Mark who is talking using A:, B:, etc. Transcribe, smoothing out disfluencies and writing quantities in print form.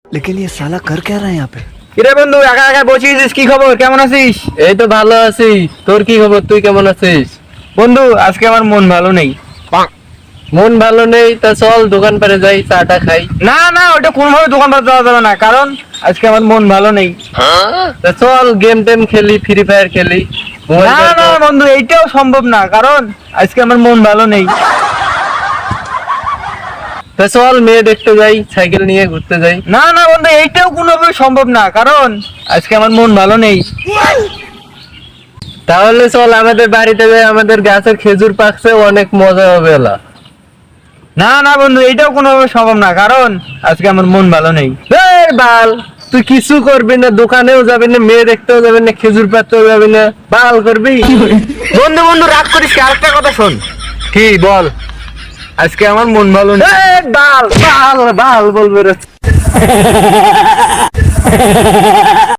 A: लेकिन ये साला कर क्या रहा है यहाँ पे?
B: কিরে বন্ধু একা একা বসেছিস, কি খবর, কেমন আছিস?
C: এই তো ভালো আছি। তোর কি খবর, তুই কেমন আছিস?
B: বন্ধু আজকে আমার মন ভালো নেই।
C: মন ভালো নেই? তা চল দোকান পারে যাই, চাটা খাই।
B: না না, ওটা কোনোভাবে দোকান পার যাওয়া যাবে না, কারণ আজকে আমার মন ভালো নেই।
C: তা চল গেম টেম খেলি, ফ্রি ফায়ার খেলি।
B: না না বন্ধু, এইটাও সম্ভব না, কারণ আজকে আমার মন ভালো নেই।
C: তা চল মেয়ে দেখতে যাই, সাইকেল নিয়ে ঘুরতে যাই।
B: না না বন্ধু, এইটাও কোনোভাবে সম্ভব না, কারণ আজকে আমার মন ভালো নেই।
C: তাহলে চল আমাদের বাড়িতে যাই, আমাদের গাছের খেজুর পাকছে, অনেক মজা হবে এলা।
B: না না বন্ধু, এইটাও কোনোভাবে সম্ভব না, কারণ আজকে আমার মন ভালো নেই।
C: এই বাল, তুই কিছু করবি না, দোকানেও যাবি না, মেয়ে দেখতেও যাবি না, খেজুর পাড়তেও যাবি না, বাল করবি?
B: বন্ধু বন্ধু রাগ করিস কি, আরেকটা কথা শোন।
C: কি বল?
B: আজকে আমার মন ভালো নেই।
C: এই বাল বাল বাল বলবে রে।